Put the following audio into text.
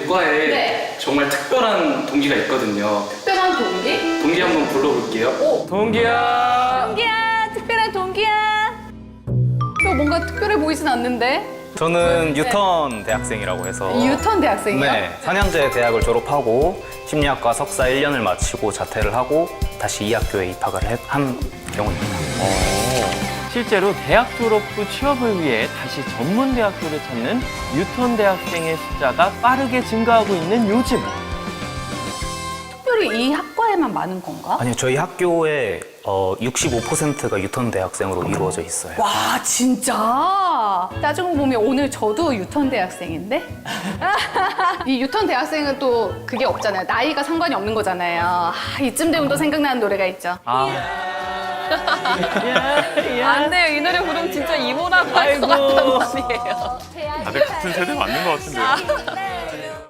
과에 네. 정말 특별한 동기가 있거든요. 특별한 동기? 동기 한번 불러볼게요. 오, 동기야. 동기야, 특별한 동기야. 너 뭔가 특별해 보이진 않는데? 저는 유턴 대학생이라고 해서 유턴 대학생이요? 네, 4년제 대학을 졸업하고 심리학과 석사 1년을 마치고 자퇴를 하고 다시 이 학교에 입학을 한 경우입니다. 실제로 대학 졸업 후 취업을 위해 다시 전문 대학교를 찾는 유턴 대학생의 숫자가 빠르게 증가하고 있는 요즘. 특별히 이 학과에만 많은 건가? 아니요, 저희 학교에 65%가 유턴 대학생으로 이루어져 있어요. 와, 진짜? 따지고 보면 오늘 저도 유턴 대학생인데? 이 유턴 대학생은 또 그게 없잖아요. 나이가 상관이 없는 거잖아요. 이쯤 되면 또 생각나는 노래가 있죠. 안 돼요. 이 노래 부르면 진짜 이모라고 할 것 같단 말이에요. 다들 같은 세대 맞는 것 같은데요.